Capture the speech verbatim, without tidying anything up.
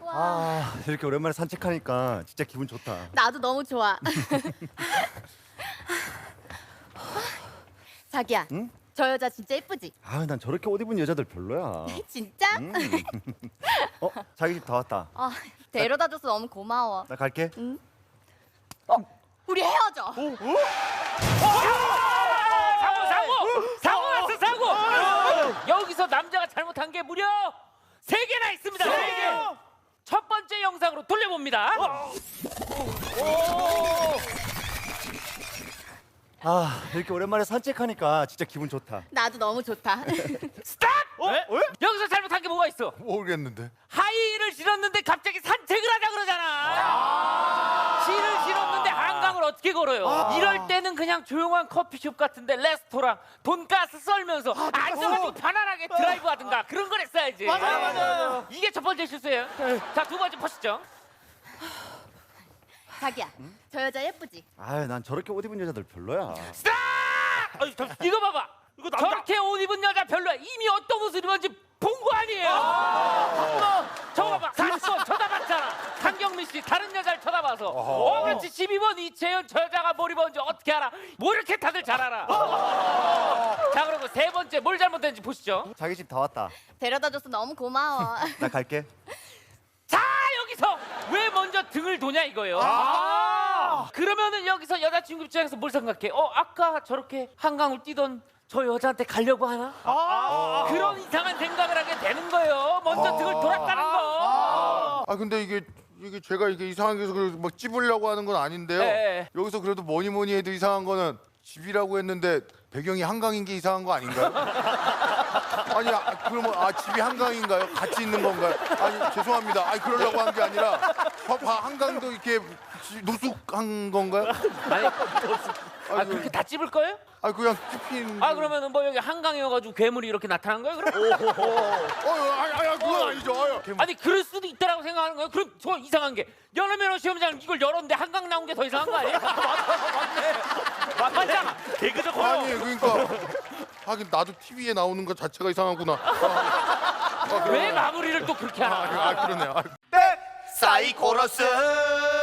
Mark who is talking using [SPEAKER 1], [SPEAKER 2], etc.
[SPEAKER 1] 아, 이렇게 오랜만에 산책하니까 진짜 기분 좋다.
[SPEAKER 2] 나도 너무 좋아. 자기야,
[SPEAKER 1] 응?
[SPEAKER 2] 저 여자 진짜 예쁘지?
[SPEAKER 1] 아, 난 저렇게 옷 입은 여자들 별로야.
[SPEAKER 2] 진짜?
[SPEAKER 1] 음. 어, 자기 집 다 왔다.
[SPEAKER 2] 아, 데려다줘서 너무 고마워.
[SPEAKER 1] 나 갈게.
[SPEAKER 2] 응? 어, 우리 헤어져.
[SPEAKER 3] 사고 사고 사고 났어 사고. 여기서 남자가 잘못한 게 무려 세 개나 있습니다. 세 개. 첫 번째 영상으로 돌려봅니다.
[SPEAKER 1] 아, 이렇게 오랜만에 산책하니까 진짜 기분 좋다.
[SPEAKER 2] 나도 너무 좋다.
[SPEAKER 3] 스탑!
[SPEAKER 1] 어? 왜?
[SPEAKER 3] 여기서 잘못한 게 뭐가 있어?
[SPEAKER 4] 모르겠는데.
[SPEAKER 3] 하이힐을 신었는데 갑자기 산책을 하자 그러잖아. 힐을 신었는데 한강을 어떻게 걸어요? 이럴 때는 그냥 조용한 커피숍 같은데 레스토랑 돈가스 썰면서 앉아가지고 편안하게 드라이브 하든가 그런 걸 했어야지.
[SPEAKER 1] 맞아요, 맞아요.
[SPEAKER 3] 이게 첫 번째 실수예요. 자, 두 번째 보시죠.
[SPEAKER 2] 자기야, 저 여자 예쁘지?
[SPEAKER 1] 아, 난 저렇게 옷 입은 여자들 별로야.
[SPEAKER 3] 스탑! 어이, 잠- 이거 봐봐.
[SPEAKER 4] 이거 남자-
[SPEAKER 3] 저렇게 옷 입은 여자 별로야. 이미 어떤 옷을 입었는지 본 거 아니에요? 어, 저거 봐봐. 사십 번 쳐다봤잖아. 한경민 씨 다른 여자를 쳐다봐서. 어, 그렇지. 십이 번 이채연 저 여자가 뭘 입었는지 어떻게 알아? 뭐 이렇게 다들 잘 알아. 자, 그리고 세 번째 뭘 잘못했는지 보시죠.
[SPEAKER 1] 자기 집 다 왔다.
[SPEAKER 2] 데려다줘서 너무 고마워.
[SPEAKER 1] 나 갈게.
[SPEAKER 3] 자, 여기서 왜 먼저 등을 도냐 이거예요. 아~ 그러면은 여기서 여자친구 입장에서 뭘 생각해? 어, 아까 저렇게 한강을 뛰던 저 여자한테 가려고 하나? 아~ 그런 이상한 생각을 하게 되는 거예요. 먼저 등을 돌았다는 거.
[SPEAKER 4] 아 근데 이게 이게 제가 이게 이상하게 해서 그래도 막 찝으려고 하는 건 아닌데요.
[SPEAKER 3] 네.
[SPEAKER 4] 여기서 그래도 뭐니 뭐니 해도 이상한 거는 집이라고 했는데 배경이 한강인 게 이상한 거 아닌가요? 아니 아, 그러면 아 집이 한강인가요? 같이 있는 건가요? 아니 죄송합니다. 아니 그러려고 한 게 아니라 봐, 봐, 한강도 이렇게 지- 노숙한 건가요?
[SPEAKER 3] 아니, 아, 그렇게 다 찝을 거예요?
[SPEAKER 4] 아 그냥 찝힌.
[SPEAKER 3] 아, 그러면은 뭐 여기 한강이어가지고 괴물이 이렇게 나타난 거예요? 그럼?
[SPEAKER 4] 어, 아니 아니 그건 아니죠. 아유.
[SPEAKER 3] 아니, 그럴 수도 있다라고 생각하는 거예요? 그럼 저 이상한 게 연어면허 시험장 이걸 열었는데 한강 나온 게 더 이상한 거 아니에요? 맞네. 맞잖아. 개그적
[SPEAKER 4] 아니 그러니까 하긴 나도 티비에 나오는 것 자체가 이상하구나. 아,
[SPEAKER 3] 왜 마무리를 또 그렇게 하나?
[SPEAKER 4] 아, 아 그러네요. 아.
[SPEAKER 5] 사이코러스